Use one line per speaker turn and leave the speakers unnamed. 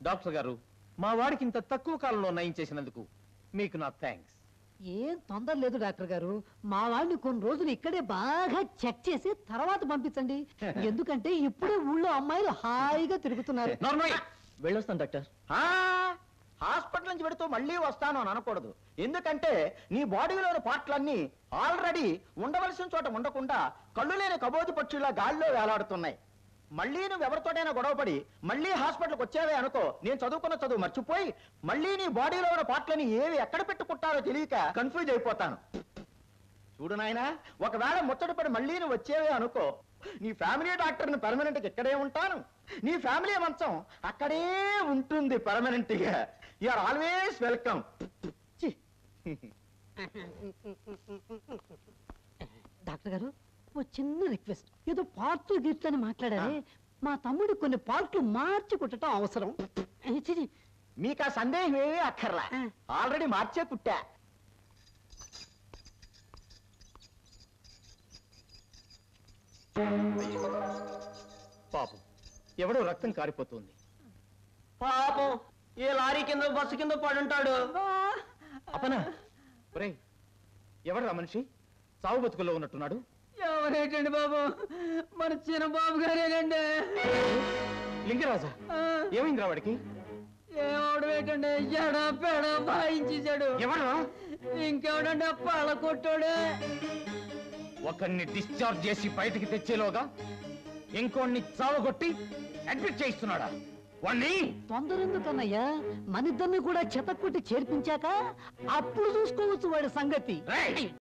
Doctor గారు, మా వాడికి ఇంత తక్కువ కాలంలో నయం చేసినందుకు మీకు నా థ్యాంక్స్.
ఏం తొందర లేదు డాక్టర్ గారు, మా వాడిని కొన్ని రోజులు ఇక్కడే బాగా చెక్ చేసి తర్వాత పంపించండి. ఎందుకంటే ఇప్పుడే ఊళ్ళో అమ్మాయిలు హాయిగా తిరుగుతున్నారు.
వెళ్ళొస్తాను డాక్టర్.
హాస్పిటల్ నుంచి పెడుతూ మళ్ళీ వస్తాను అని అనకూడదు. ఎందుకంటే నీ బాడీలోని పార్ట్లన్నీ ఆల్రెడీ ఉండవలసిన చోట ఉండకుండా కళ్ళు లేని కబోది పక్షుల్లా గాల్లో వేలాడుతున్నాయి. మళ్ళీ నువ్వు ఎవరితోటైనా గొడవపడి మళ్ళీ హాస్పిటల్కి వచ్చావే అనుకో, నేను చదువుకున్న చదువు మర్చిపోయి మళ్ళీ నీ బాడీలో ఉన్న పార్ట్లని ఏవి ఎక్కడ పెట్టుకుంటారో తెలియక కన్ఫ్యూజ్ అయిపోతాను. చూడు నాయనా, ఒకవేళ ముచ్చటపడి మళ్ళీ నువ్వు వచ్చేవే అనుకో, నీ ఫ్యామిలీ డాక్టర్ని పర్మనెంట్ గా ఇక్కడే ఉంటాను, నీ ఫ్యామిలీ మంచం అక్కడే ఉంటుంది పర్మనెంట్ గా. You are always welcome.
Doctor గారు, ఓ చిన్న రిక్వెస్ట్. ఏదో పార్ట్లు గీట్లని మాట్లాడారే, మా తమ్ముడు కొన్ని పార్ట్లు మార్చి కుట్టడం అవసరం.
మీకు ఆ సందేహం ఏమీ అక్కర్లా, ఆల్రెడీ మార్చే కుట్టా.
పాపం, ఎవడో రక్తం కారిపోతుంది.
పాపం, ఏ లారీ కింద బస్సు కింద పడుంటాడు.
అపనా, ఒరేయ్, ఎవడరా మనిషి చావు బతుకుల్లో ఉన్నట్టున్నాడు?
ఎవరేటండి బాబు, మన చిన్న బాబు గారేనండి.
లింగరాజా, ఏమైందిరా వాడికి?
ఏమవడమేటండి, ఎడా పెడ బాయించేశాడు.
ఎవడరా?
ఇంకెవడండి, పళ్ళ కొట్టాడే.
ఒకరిని డిశ్చార్జ్ చేసి బయటికి తెచ్చేలోగా ఇంకోడిని చావగొట్టి అడ్మిట్ చేయిస్తున్నాడా? వాణ్ణి
తొందర ఎందుకన్నయ్యా, మనిద్దరిని కూడా చెతక్కొట్టి చేర్పించాక అప్పుడు చూసుకోవచ్చు వాడి సంగతి.